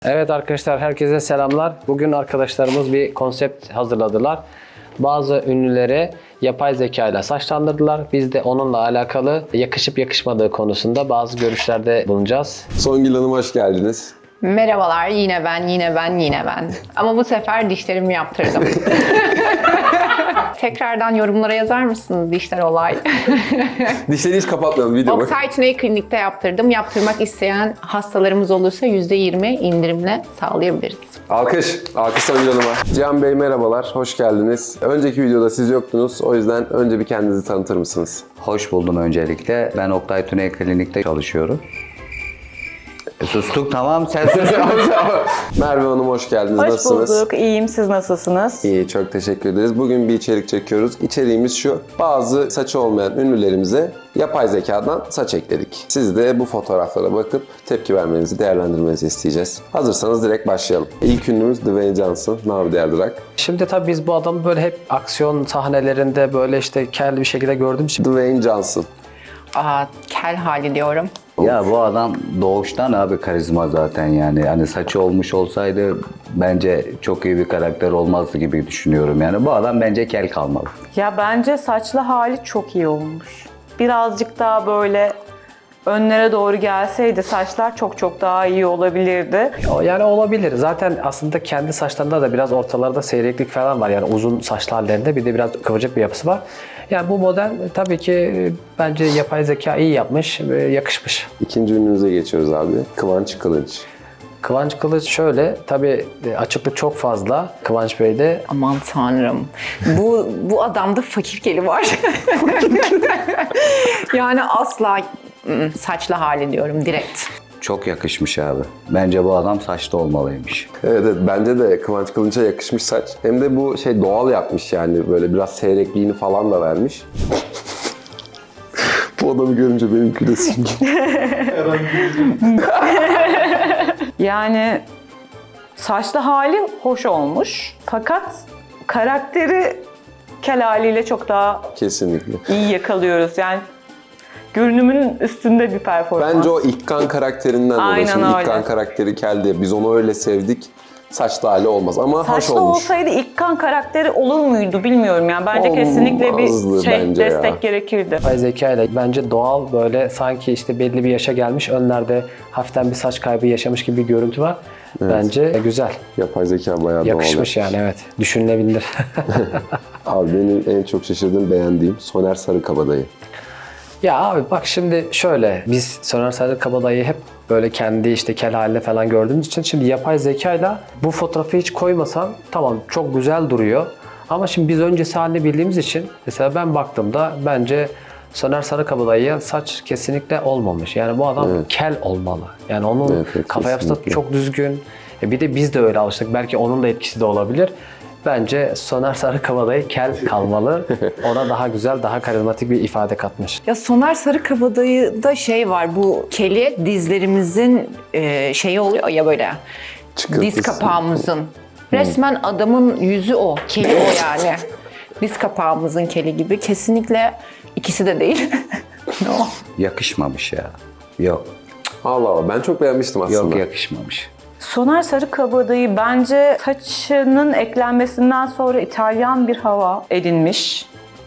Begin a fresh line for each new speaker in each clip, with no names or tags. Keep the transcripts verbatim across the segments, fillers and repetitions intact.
Evet arkadaşlar, herkese selamlar. Bugün arkadaşlarımız bir konsept hazırladılar. Bazı ünlülere yapay zeka ile saçlandırdılar. Biz de onunla alakalı yakışıp yakışmadığı konusunda bazı görüşlerde bulunacağız.
Songül Hanım hoş geldiniz.
Merhabalar, yine ben, yine ben, yine ben. Ama bu sefer dişlerimi yaptırdım. Tekrardan yorumlara yazar mısınız dişler olay?
Dişleri hiç kapatmayalım video bak.
Oktay Tüney Klinik'te yaptırdım. Yaptırmak isteyen hastalarımız olursa yüzde yirmi indirimle sağlayabiliriz.
Alkış. Alkış Songül Hanım'a. Cihan Bey merhabalar, hoş geldiniz. Önceki videoda siz yoktunuz. O yüzden önce bir kendinizi tanıtır mısınız?
Hoş buldum öncelikle. Ben Oktay Tüney Klinik'te çalışıyorum. E, sustuk tamam sen sus.
Merve Hanım hoş geldiniz.
Hoş
Nasılsınız?
bulduk. İyiyim. Siz nasılsınız?
İyi, çok teşekkür ederiz. Bugün bir içerik çekiyoruz. İçeriğimiz şu. Bazı saçı olmayan ünlülerimize yapay zekadan saç ekledik. Siz de bu fotoğraflara bakıp tepki vermenizi, değerlendirmenizi isteyeceğiz. Hazırsanız direkt başlayalım. İlk ünlümüz Dwayne Johnson. Navi Derdirak.
Şimdi tabii biz bu adamı böyle hep aksiyon sahnelerinde böyle işte kel bir şekilde gördüğümüz için
Dwayne Johnson.
Aa, kel hali diyorum.
Ya bu adam doğuştan abi karizma zaten yani. Hani saçı olmuş olsaydı bence çok iyi bir karakter olmazdı gibi düşünüyorum. Yani bu adam bence kel kalmalı.
Ya bence saçlı hali çok iyi olmuş. Birazcık daha böyle önlere doğru gelseydi saçlar çok çok daha iyi olabilirdi.
O yani olabilir. Zaten aslında kendi saçlarında da biraz ortalarda seyreklik falan var. Yani uzun saçlı hallerinde bir de biraz kıvırcık bir yapısı var. Yani bu model tabii ki bence yapay zeka iyi yapmış, yakışmış.
İkinci ünlümüze geçiyoruz abi. Kıvanç Kılıç.
Kıvanç Kılıç şöyle, tabii açıklık çok fazla Kıvanç Bey'de.
Aman tanrım. Bu bu adamda fakir keli var. Yani asla ı, saçlı hali diyorum direkt.
Çok yakışmış abi. Bence bu adam saçlı olmalıymış.
Evet, evet bence de Kıvanç Kılıç'a yakışmış saç. Hem de bu şey doğal yapmış yani böyle biraz seyrekliğini falan da vermiş. Bu adamı görünce benim gülesim geliyor.
Yani saçlı hali hoş olmuş. Fakat karakteri kel haliyle çok daha
Kesinlikle.
iyi yakalıyoruz. Yani görünümünün üstünde bir performans.
Bence o İkkan karakterinden dolayı.
Aynen
Şimdi
öyle.
İkkan karakteri kel diye biz onu öyle sevdik. Saçlı hali olmaz ama hoş
Saçlı
olmuş.
olsaydı İkkan karakteri olur muydu bilmiyorum yani. Bence kesinlikle
Olmazdı
bir şey
bence
destek
ya.
gerekirdi.
Yapay zeka ile bence doğal, böyle sanki işte belli bir yaşa gelmiş, önlerde hafiften bir saç kaybı yaşamış gibi bir görüntü var. Bence güzel.
Yapay zeka bayağı
Yakışmış
doğal.
yani, evet. Düşünülebilir.
Abi benim en çok şaşırdığım, beğendiğim Soner Sarıkabadayı.
Ya abi bak şimdi şöyle, biz Soner Sarıkabadayı'yı hep böyle kendi işte kel haline falan gördüğümüz için şimdi yapay zekayla bu fotoğrafı hiç koymasam tamam çok güzel duruyor. Ama şimdi biz öncesi halini bildiğimiz için mesela ben baktığımda bence Soner Sarıkabadayı'ya saç kesinlikle olmamış. Yani bu adam
Evet.
kel olmalı. Yani onun
Evet, evet,
kafa yapısı da
kesinlikle.
çok düzgün. E bir de biz de öyle alıştık. Belki onun da etkisi de olabilir. Bence Soner Sarıkabadayı kel kalmalı. Ona daha güzel, daha karizmatik bir ifade katmış.
Ya Soner Sarıkabadayı'da şey var, bu keli dizlerimizin e, şeyi oluyor ya böyle.
Çıkıntısı.
Diz kapağımızın. Resmen adamın yüzü o. Keli o yani. Diz kapağımızın keli gibi. Kesinlikle ikisi de değil. No.
Yakışmamış ya. Yok.
Allah Allah, ben çok beğenmiştim aslında.
Yok yakışmamış.
Soner Sarıkabadayı bence saçının eklenmesinden sonra İtalyan bir hava edinmiş.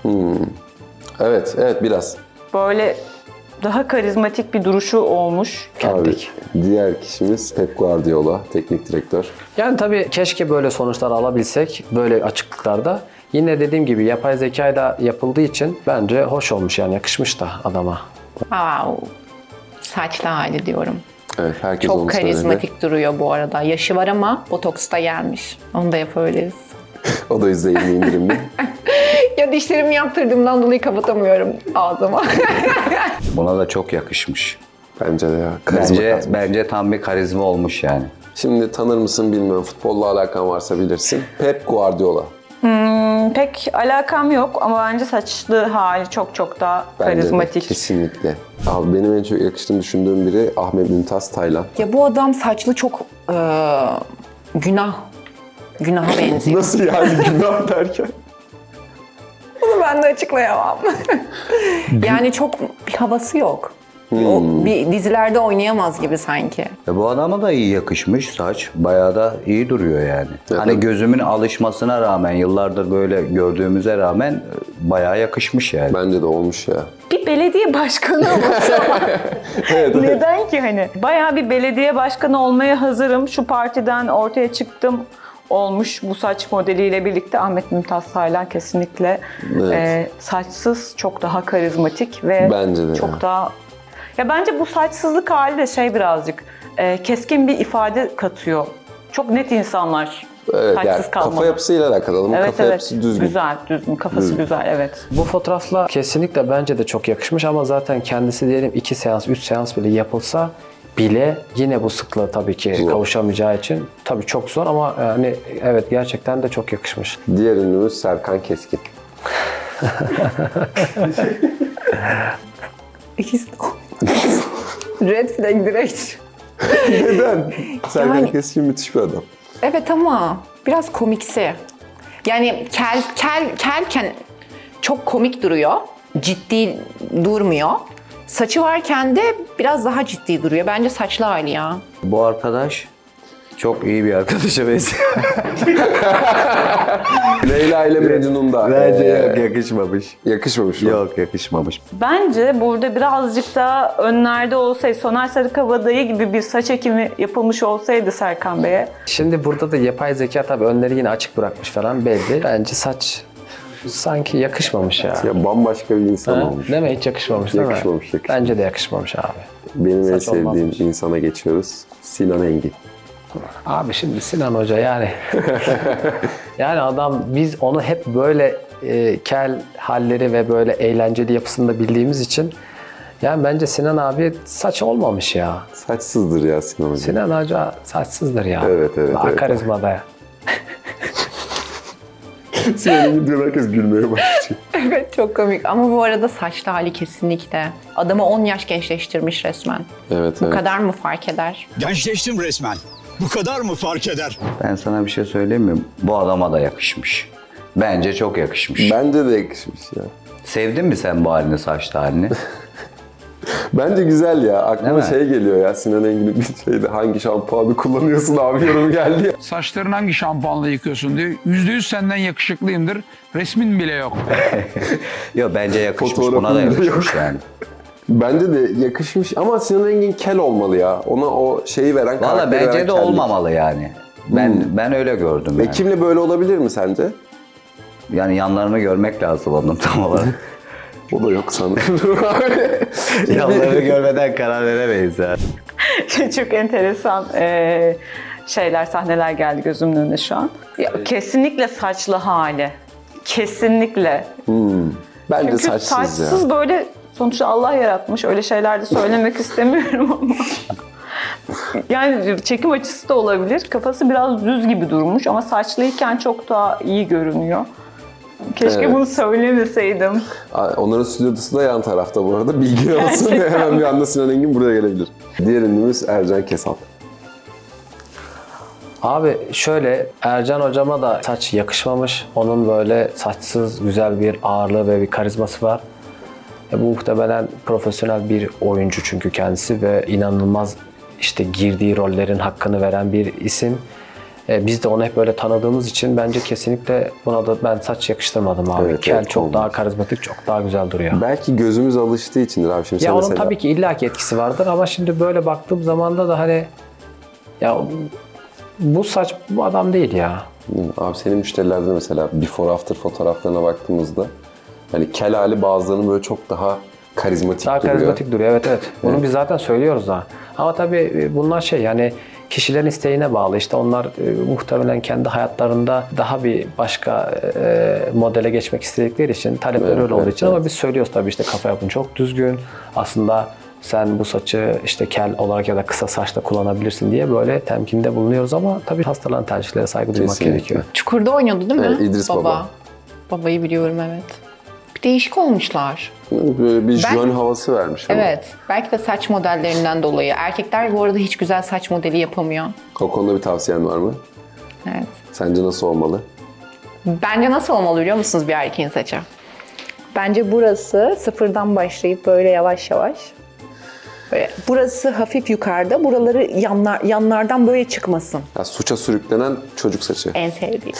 Evet, evet biraz.
Böyle daha karizmatik bir duruşu olmuş.
Abi, diğer kişimiz Pep Guardiola, teknik direktör.
Yani tabii keşke böyle sonuçlar alabilsek böyle açıklıklarda. Yine dediğim gibi yapay zekayla yapıldığı için bence hoş olmuş, yani yakışmış da adama.
Wow. Saçlı hali diyorum.
Evet, herkes onu
Çok
söyledi.
karizmatik duruyor bu arada. Yaşı var ama botoks da gelmiş. Onu da yapabiliriz.
O da yüzde yirmi indirimli.
Ya dişlerimi yaptırdığımdan dolayı kapatamıyorum ağzıma.
Buna da çok yakışmış.
Bence de ya. Karizma
Bence,
katmış.
bence tam bir karizma olmuş yani.
Şimdi tanır mısın bilmiyorum. Futbolla alakan varsa bilirsin. Pep Guardiola.
Hmm, pek alakam yok ama bence saçlı hali çok çok daha
Bence de,
karizmatik.
kesinlikle. Abi benim en çok yakıştığını düşündüğüm biri Ahmet Mümtaz Taylan.
Ya bu adam saçlı çok eee, günah. Günaha benziyor.
Nasıl yani günah derken?
Bunu ben de açıklayamam. Yani çok bir havası yok. O bir dizilerde oynayamaz gibi sanki.
E bu adama da iyi yakışmış saç. Bayağı da iyi duruyor yani.
Evet,
Hani
evet.
gözümün alışmasına rağmen, yıllardır böyle gördüğümüze rağmen e, bayağı yakışmış yani.
Bence de olmuş ya.
Bir belediye başkanı olsa neden ki hani? Bayağı bir belediye başkanı olmaya hazırım. Şu partiden ortaya çıktım olmuş bu saç modeliyle birlikte. Ahmet Mümtaz Taylan kesinlikle
Evet.
e, saçsız çok daha karizmatik ve
Bence de
çok
ya.
daha... Ya bence bu saçsızlık hali de şey birazcık e, keskin bir ifade katıyor. Çok net insanlar
Evet,
saçsız
yani
kalmalı.
kafa yapısıyla alakalı. Adamın
Evet
kafa
evet.
yapısı düzgün.
Güzel, düzgün. Kafası güzel, evet.
Bu fotoğrafla kesinlikle bence de çok yakışmış ama zaten kendisi diyelim iki seans, üç seans bile yapılsa bile yine bu sıklığı tabii ki
Zor.
kavuşamayacağı için tabii çok zor ama yani evet gerçekten de çok yakışmış.
Diğer ünlümüz Serkan Keskin.
İkisi Red flag direkt.
Neden? Serkan
Yani-
Keskin müthiş bir adam.
Evet ama biraz komiksi. Yani kel, kel, kelken çok komik duruyor. Ciddi durmuyor. Saçı varken de biraz daha ciddi duruyor. Bence saçlı hali ya.
Bu arkadaş çok iyi bir arkadaşa benziyor.
Leyla ile Mecnun'da.
Bence
ee,
yok, yakışmamış.
yakışmamış mı?
Yok, yakışmamış.
Bence burada birazcık da önlerde olsaydı, Soner Sarıkabadayı gibi bir saç ekimi yapılmış olsaydı Serkan Bey'e.
Şimdi burada da yapay zeka tabii önleri yine açık bırakmış falan belli. Bence saç sanki yakışmamış ya.
Ya bambaşka bir insan
Ha?
olmuş.
Değil mi? Hiç yakışmamış değil
Yakışmamış,
mi?
yakışmamış.
Bence de yakışmamış abi.
Benim en
Saç
sevdiğim
olmazmış.
insana geçiyoruz. Sinan Engin.
Abi şimdi Sinan Hoca yani yani adam biz onu hep böyle e, kel halleri ve böyle eğlenceli yapısında bildiğimiz için yani bence Sinan abi saç olmamış ya.
Saçsızdır ya Sinan Hoca.
Sinan Hoca saçsızdır ya.
Evet, evet,
Daha
evet.
karizmada ya.
Sinan Engin diyor, herkes gülmeye başlıyor.
Evet çok komik ama bu arada saçlı hali kesinlikle. Adamı on yaş gençleştirmiş resmen.
Evet,
Bu
evet.
kadar mı fark eder?
Gençleştim resmen. Bu kadar mı fark eder?
Ben sana bir şey söyleyeyim mi? Bu adama da yakışmış. Bence çok yakışmış.
Bence de yakışmış ya.
Sevdin mi sen bu halini, saçlı halini?
Bence güzel ya. Aklıma
Değil mi?
şey geliyor ya. Sinan Engin'in bir şeyde hangi şampuanı kullanıyorsun abi yorum geldi ya.
Saçlarını hangi şampuanla yıkıyorsun diyor. Yüzde yüz senden yakışıklıyımdır. Resmin bile yok.
Yok, bence yakışmış.
Fotoğrafın
Buna da
bile
yakışmış yani.
Bence de yakışmış ama Sinan Engin kel olmalı ya. Ona o şeyi veren,
Valla
karakteri veren
bence de
kellik.
olmamalı yani. Ben ben öyle gördüm
Ve
yani.
kimle böyle olabilir mi sence?
Yani yanlarını görmek lazım onun tam olarak.
O da yok sanırım.
Yanlarını görmeden karar veremeyiz yani.
Çok enteresan e, şeyler, sahneler geldi gözümün önüne şu an. Ya, kesinlikle saçlı hali. Kesinlikle.
Bence
Çünkü
saçsız,
saçsız
ya.
böyle sonuçta Allah yaratmış. Öyle şeyler de söylemek istemiyorum ama. Yani çekim açısı da olabilir. Kafası biraz düz gibi durmuş ama saçlıyken çok daha iyi görünüyor. Keşke
Evet.
bunu söylemeseydim.
Onların stüdyosu da yan tarafta bu arada. Bilgi olsun.
Gerçekten.
Hemen bir anda Sinan Engin buraya gelebilir. Diğer ünlümüz Ercan Kesal.
Abi şöyle Ercan hocama da saç yakışmamış. Onun böyle saçsız güzel bir ağırlığı ve bir karizması var. E, bu muhtemelen profesyonel bir oyuncu çünkü kendisi ve inanılmaz işte girdiği rollerin hakkını veren bir isim. E, biz de onu hep böyle tanıdığımız için bence kesinlikle buna da ben saç yakıştırmadım abi.
Evet,
Kel
evet,
çok
olmaz.
daha karizmatik, çok daha güzel duruyor.
Belki gözümüz alıştığı içindir abi. Şimdi
Ya
sen
onun
mesela...
tabii ki illaki etkisi vardır ama şimdi böyle baktığım zaman da hani ya bu saç bu adam değil ya.
Abi senin müşterilerde mesela before after fotoğraflarına baktığımızda hani kel hali bazılarının böyle çok daha karizmatik
Daha
duruyor.
karizmatik duruyor evet evet. Bunu biz zaten söylüyoruz da. Ama tabii bunlar şey yani kişilerin isteğine bağlı. İşte onlar e, muhtemelen kendi hayatlarında daha bir başka e, modele geçmek istedikleri için talepleri
Evet,
öyle olduğu
evet,
için
evet.
ama biz söylüyoruz tabii işte kafa yapın çok düzgün. Aslında sen bu saçı işte kel olarak ya da kısa saçta kullanabilirsin diye böyle temkinde bulunuyoruz ama tabii hastaların tercihlere saygı duymak
Kesinlikle.
gerekiyor.
Çukur'da oynuyordu değil mi?
Evet, İdris Baba.
Babayı biliyorum evet. Bir değişik olmuşlar.
Böyle bir
Ben-
jön havası vermiş ama.
Evet. Belki de saç modellerinden dolayı. Erkekler bu arada hiç güzel saç modeli yapamıyor.
O konuda bir tavsiyen var mı?
Evet.
Sence nasıl olmalı?
Bence nasıl olmalı biliyor musunuz bir erkeğin saçı? Bence burası sıfırdan başlayıp böyle yavaş yavaş Böyle burası hafif yukarıda, buraları yanlar, yanlardan böyle çıkmasın.
Ya suça sürüklenen çocuk saçı.
En sevdiğim.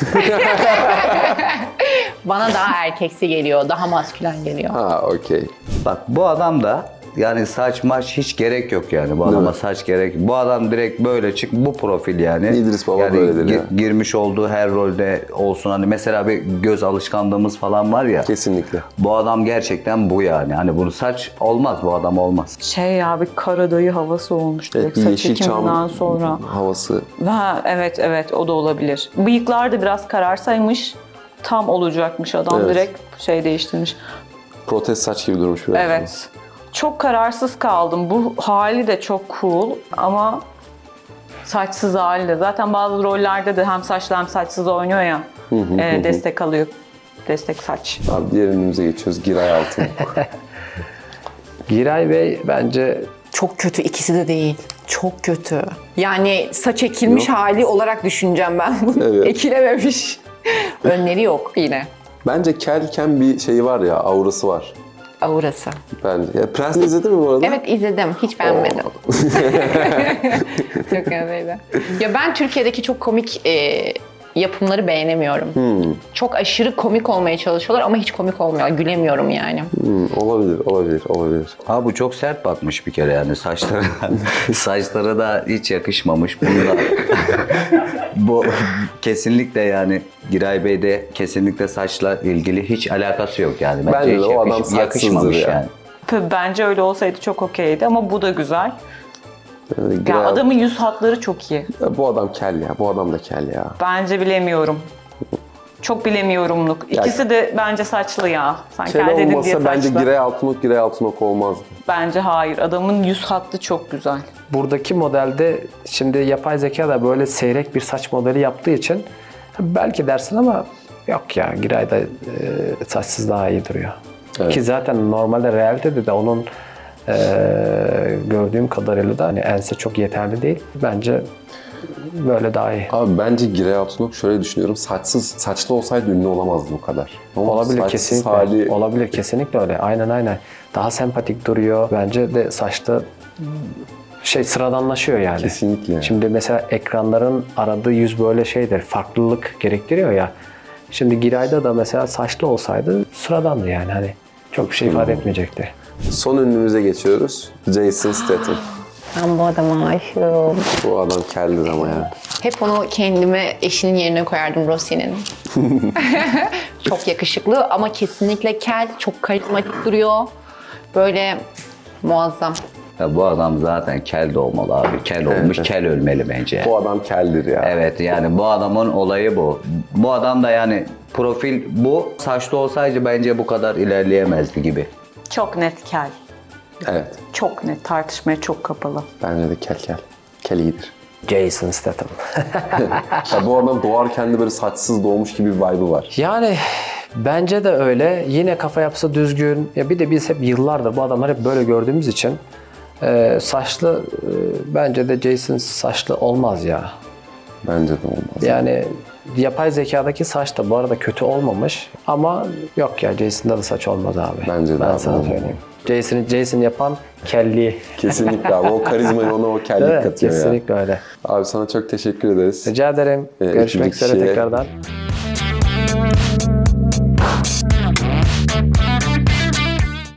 Bana daha erkeksi geliyor, daha maskülen geliyor.
Ha okey.
Bak bu adam da yani saç maç hiç gerek yok yani bu adama
mi?
saç gerek. Bu adam direkt böyle çık bu profil yani.
İdris Baba
yani
böyledir ya.
girmiş olduğu her rolde olsun hani mesela bir göz alışkanlığımız falan var ya.
Kesinlikle.
Bu adam gerçekten bu yani. Hani bunu saç olmaz bu adam olmaz.
Şey ya bir Karadayı havası olmuş
Evet,
direkt
bir
saç
Yeşilçam
ekiminden sonra.
havası.
Ha, evet evet o da olabilir. Bıyıklar da biraz kararsaymış. Tam olacakmış adam
Evet.
direkt şey değiştirmiş.
Protez saç gibi durmuş biraz.
Evet. Çok kararsız kaldım. Bu hali de çok cool ama saçsız hali de. Zaten bazı rollerde de hem saçlı hem saçsız oynuyor ya. e, destek alıyor. Destek saç.
Abi diğer ünlümüze geçiyoruz. Giray Altın.
Giray Bey bence
Çok kötü, ikisi de değil. Çok kötü. Yani saç ekilmiş hali olarak düşüneceğim ben bunu.
Evet.
Ekilememiş. Önleri yok yine.
Bence kelken bir şeyi var ya, aurası var.
Aurası.
Bence. Ya Prens'i izledin mi bu arada?
Evet izledim. Hiç beğenmedim. Çok öyleydi. Ya ben Türkiye'deki çok komik e, yapımları beğenemiyorum. Çok aşırı komik olmaya çalışıyorlar ama hiç komik olmuyor. Gülemiyorum yani.
Hmm, olabilir, olabilir, olabilir.
Abi bu çok sert bakmış bir kere yani saçları. Saçları da hiç yakışmamış. Bunu da bu kesinlikle yani Giray Bey'de kesinlikle saçla ilgili hiç alakası yok yani.
Bence de
hiç
o adam
yakış-
saçsızdır
yakışmamış
ya.
yani.
Bence öyle olsaydı çok okeydi ama bu da güzel.
Yani
Ya
Giray-
adamın yüz hatları çok iyi.
Ya bu adam kel ya, bu adam da kel ya.
Bence bilemiyorum. Çok bilemiyorumluk. İkisi de bence saçlı ya. Sen
Kel
kel dedin diye
olmasa
saçlı.
bence Giray Altınok, Giray Altınok olmaz.
Bence hayır. Adamın yüz hattı çok güzel.
buradaki modelde şimdi yapay zeka da böyle seyrek bir saç modeli yaptığı için belki dersin ama yok ya Giray'da e, saçsız daha iyi duruyor.
Evet.
Ki zaten normalde realitede de onun e, gördüğüm kadarıyla da hani ense çok yeterli değil. Bence böyle daha iyi.
Abi bence Giray Altınok şöyle düşünüyorum, saçsız, saçlı olsaydı ünlü olamazdı bu kadar. Ama
Olabilir
saçsız
kesinlikle.
hali-
Olabilir kesinlikle öyle. Aynen aynen. Daha sempatik duruyor. Bence de saçta şey sıradanlaşıyor yani.
Kesinlikle.
Şimdi mesela ekranların aradığı yüz böyle şeydir. Farklılık gerektiriyor ya. Şimdi Giray'da da mesela saçlı olsaydı sıradandı yani hani. Çok bir şey ifade etmeyecekti.
Son ünlümüze geçiyoruz. Jason Statham.
Ben bu adama aşığım.
Bu adam keldir ama ya.
Hep onu kendime eşinin yerine koyardım Rossi'nin. Çok yakışıklı ama kesinlikle kel, çok karizmatik duruyor. Böyle muazzam.
Ya bu adam zaten kel de olmalı abi. Kel olmuş, kel ölmeli bence.
Bu adam keldir ya.
Evet yani bu adamın olayı bu. Bu adam da yani profil bu. Saçlı olsaydı bence bu kadar ilerleyemezdi gibi.
Çok net kel.
Evet.
Çok net. Tartışmaya çok kapalı.
Bence de kel kel. Kel iyidir.
Jason Statham.
Ya bu adam doğarken de böyle saçsız doğmuş gibi bir vibe'ı var.
Yani bence de öyle. Yine kafa yapısı düzgün. Ya bir de biz hep yıllardır bu adamları hep böyle gördüğümüz için e, saçlı e, bence de Jason saçlı olmaz ya.
Bence de olmaz.
Yani yapay zekadaki saç da bu arada kötü olmamış ama yok ya Jason'da da saç olmaz abi.
Bence de
ben
abi,
sana
olmaz.
söyleyeyim. Jason'ı Jason yapan kelli.
Kesinlikle abi. O karizmayı ona o kellik
Evet,
katıyor ya.
kesinlikle öyle.
Abi sana çok teşekkür ederiz.
Rica ederim.
Ee,
Görüşmek
ikinci
üzere
kişiye-
tekrardan.